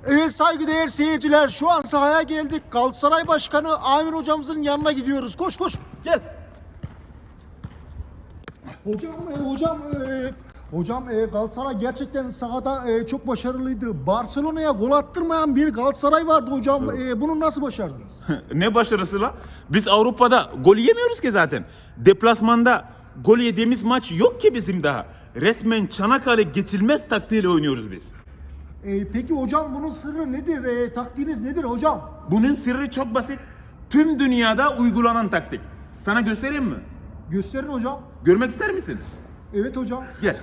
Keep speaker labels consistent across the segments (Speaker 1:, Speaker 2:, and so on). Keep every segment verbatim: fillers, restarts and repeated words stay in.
Speaker 1: Evet saygıdeğer seyirciler, şu an sahaya geldik. Galatasaray Başkanı Amir hocamızın yanına gidiyoruz. Koş koş gel. Hocam e, hocam e, hocam e, Galatasaray gerçekten sahada e, çok başarılıydı. Barcelona'ya gol attırmayan bir Galatasaray vardı hocam. E, bunu nasıl başardınız?
Speaker 2: Ne başarısı la? Biz Avrupa'da gol yemiyoruz ki zaten. Deplasmanda gol yediğimiz maç yok ki bizim daha. Resmen Çanakkale geçilmez taktiğiyle oynuyoruz biz.
Speaker 1: E, peki hocam bunun sırrı nedir? E, taktiğiniz nedir hocam?
Speaker 2: Bunun sırrı çok basit. Tüm dünyada uygulanan taktik. Sana göstereyim mi?
Speaker 1: Gösterin hocam.
Speaker 2: Görmek ister misin?
Speaker 1: Evet hocam.
Speaker 2: Gel.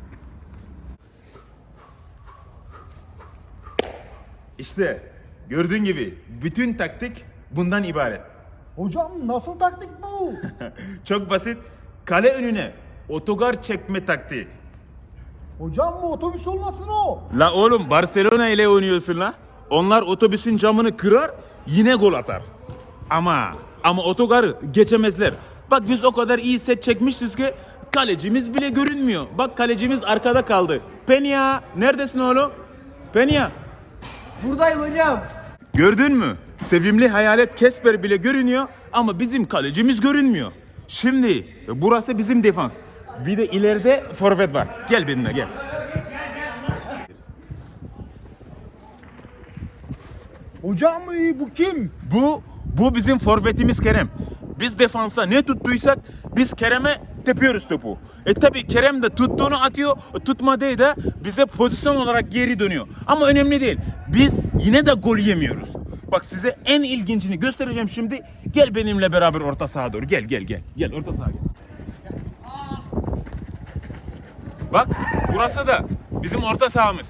Speaker 2: İşte gördüğün gibi bütün taktik bundan ibaret.
Speaker 1: Hocam nasıl taktik bu?
Speaker 2: Çok basit. Kale önüne otogar çekme taktiği.
Speaker 1: Hocam bu otobüs olmasın o.
Speaker 2: La oğlum Barcelona ile oynuyorsun la. Onlar otobüsün camını kırar yine gol atar. Ama ama otogarı geçemezler. Bak biz o kadar iyi set çekmişiz ki kalecimiz bile görünmüyor. Bak kalecimiz arkada kaldı. Penya neredesin oğlum? Penya.
Speaker 3: Buradayım hocam.
Speaker 2: Gördün mü? Sevimli hayalet Kesper bile görünüyor ama bizim kalecimiz görünmüyor. Şimdi burası bizim defans. Bir de ileride forvet var. Gel benimle gel.
Speaker 1: Hocam e, bu kim?
Speaker 2: Bu bu bizim forvetimiz Kerem. Biz defansa ne tuttuysak biz Kerem'e tepiyoruz topu. E tabi Kerem de tuttuğunu atıyor, tutmadığı da bize pozisyon olarak geri dönüyor. Ama önemli değil. Biz yine de gol yemiyoruz. Bak size en ilgincini göstereceğim şimdi. Gel benimle beraber orta saha doğru. Gel gel gel. Gel orta saha gel. Bak burası da bizim orta sahamız.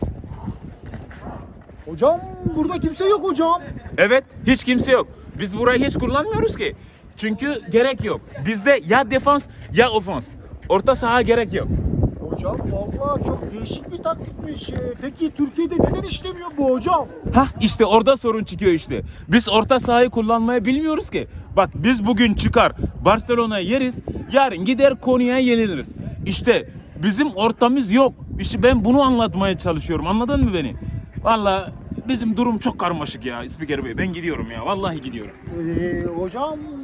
Speaker 1: Hocam burada kimse yok hocam.
Speaker 2: Evet, hiç kimse yok. Biz burayı hiç kullanmıyoruz ki. Çünkü gerek yok. Bizde ya defans ya ofans. Orta saha gerek yok.
Speaker 1: Hocam vallahi çok değişik bir taktikmiş. Ee, Peki Türkiye'de neden işlemiyor bu hocam?
Speaker 2: Hah işte orada sorun çıkıyor işte. Biz orta sahayı kullanmayı bilmiyoruz ki. Bak biz bugün çıkar Barcelona'ya yeriz, yarın gider Konya'ya yeniliriz. İşte bizim ortamız yok. İşte ben bunu anlatmaya çalışıyorum. Anladın mı beni? Vallahi bizim durum çok karmaşık ya İspiker Bey. Ben gidiyorum ya. Vallahi gidiyorum.
Speaker 1: Ee, hocam